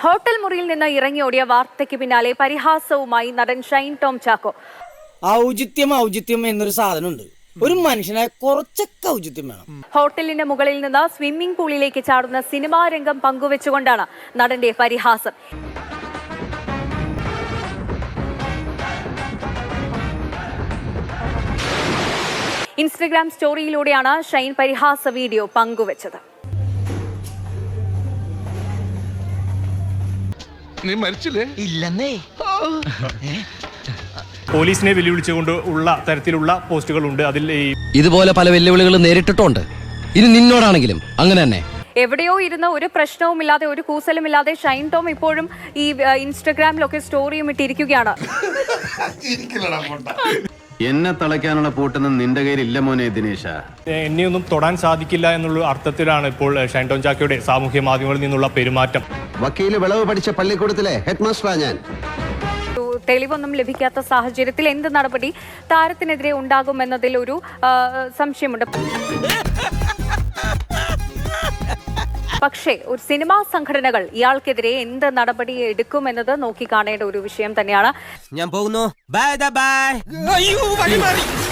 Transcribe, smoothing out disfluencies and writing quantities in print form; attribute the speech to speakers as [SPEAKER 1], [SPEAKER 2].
[SPEAKER 1] Hotel മുറിയിൽ നിന്ന് ഇറങ്ങിയോടിയ വാർത്തയ്ക്ക് പിന്നാലെ പരിഹാസവുമായി നടൻ ഷൈൻ ടോം ചാക്കോ.
[SPEAKER 2] ഔചിത്യം എന്നൊരു സാധനമുണ്ട്. ഒരു മനുഷ്യനായ കുറച്ചൊക്കെ ഔചിത്യം വേണം.
[SPEAKER 1] ഹോട്ടലിന്റെ മുകളിൽ നിന്ന് സ്വിമ്മിംഗ് പൂളിലേക്ക് ചാടുന്ന സിനിമാ രംഗം പങ്കുവെച്ചുകൊണ്ടാണ് നടന്റെ പരിഹാസം. ഇൻസ്റ്റഗ്രാം സ്റ്റോറിയിലൂടെയാണ് ഷൈൻ പരിഹാസ വീഡിയോ പങ്കുവച്ചത്.
[SPEAKER 3] നീ മരിച്ചില്ലേ?
[SPEAKER 4] ഇല്ലെന്നേ.
[SPEAKER 5] പോലീസിനെ വെല്ലുവിളിച്ചുകൊണ്ട് ഉള്ള തരത്തിലുള്ള പോസ്റ്റുകളുണ്ട്. അതിൽ
[SPEAKER 4] ഇതുപോലെ പല വെല്ലുവിളികളും നേരിട്ടിട്ടുണ്ട്. ഇനി നിന്നോടാണെങ്കിലും അങ്ങനെ തന്നെ.
[SPEAKER 1] എവിടെയോ ഇരുന്ന് ഒരു പ്രശ്നവുമില്ലാതെ ഒരു കൂസലുമില്ലാതെ ഷൈൻ ടോം ഇപ്പോഴും ഈ ഇൻസ്റ്റഗ്രാമിലൊക്കെ സ്റ്റോറിയും ഇട്ടിരിക്കുകയാണ്.
[SPEAKER 6] എന്നെ തളയ്ക്കാനുള്ള പൂട്ടൊന്നും നിന്റെ കയ്യിലില്ല മോനെ ദിനേശ.
[SPEAKER 5] എന്നെയൊന്നും തൊടാൻ സാധിക്കില്ല എന്നുള്ള അർത്ഥത്തിലാണ് ഇപ്പോൾ ഷൈൻ ടോം ചാക്കോയുടെ സാമൂഹ്യ മാധ്യമങ്ങളിൽ നിന്നുള്ള പെരുമാറ്റം.
[SPEAKER 6] വക്കീല് വിളവ് പഠിച്ച പള്ളിക്കൂടത്തിലെ ഹെഡ് മാസ്റ്ററാ ഞാൻ.
[SPEAKER 1] തെളിവൊന്നും ലഭിക്കാത്ത സാഹചര്യത്തിൽ എന്ത് നടപടി താരത്തിനെതിരെ ഉണ്ടാകുമെന്നതിൽ ഒരു സംശയമുണ്ട്. പക്ഷേ ഒരു സിനിമാ സംഘടനകൾ ഇയാൾക്കെതിരെ എന്ത് നടപടി എടുക്കുമെന്നത് നോക്കി കാണേണ്ട ഒരു വിഷയം തന്നെയാണ്.
[SPEAKER 4] ഞാൻ പോകുന്നു. Bye by.